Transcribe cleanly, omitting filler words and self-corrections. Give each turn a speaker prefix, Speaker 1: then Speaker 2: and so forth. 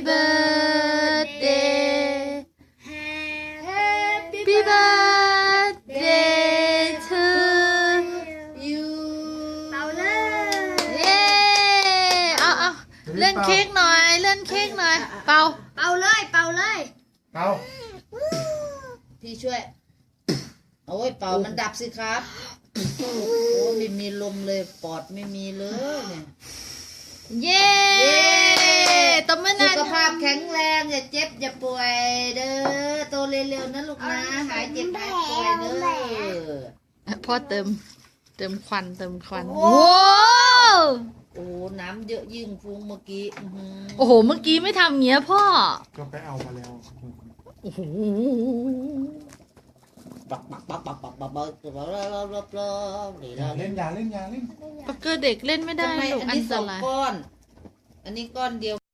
Speaker 1: birthday Happy birthday to you
Speaker 2: เป่าเลย
Speaker 1: เย้เอาเล่นเค้กหน่อยเล่นเค้กหน่อยเป่า
Speaker 2: เป่าเลยเป่าเลย
Speaker 3: เอา
Speaker 4: พี่ช่วยโอ้ยเป่ามันดับสิครับโอ้ไม่มีลมเลยปอดไม่มีเลยเนี่ย
Speaker 1: เย้ตบมือห
Speaker 4: สุ
Speaker 1: น่อย
Speaker 4: ขภาพแข็งแรงอย่าเจ็บอย่าป่วยเด้อโตเร็วๆนะลูกนะหายเจ็บหายป่วยเด้อ
Speaker 1: พ่อเติมควัน
Speaker 4: โอ้
Speaker 1: โอ้
Speaker 4: โอ้น้ำเยอะยิ่งฟุ้งเมื่อกี้
Speaker 1: โอ้โหเมื่อกี้ไม่ทำเงี้ยพ่อ
Speaker 3: ก็ไปเอามาแล้ว
Speaker 1: โอ้โห
Speaker 4: ปักนี่
Speaker 3: อย่า
Speaker 4: เรา
Speaker 3: เล่นอย่าเล่นอย่าเล่น
Speaker 1: ปักเกอร์เด็กเล่นไม่ได้
Speaker 4: ทำไม
Speaker 1: ลูก
Speaker 4: อัน
Speaker 1: อัน
Speaker 4: นี้
Speaker 1: ต
Speaker 4: สอง
Speaker 1: ราย
Speaker 4: ก้อนอันนี้ก้อนเดียว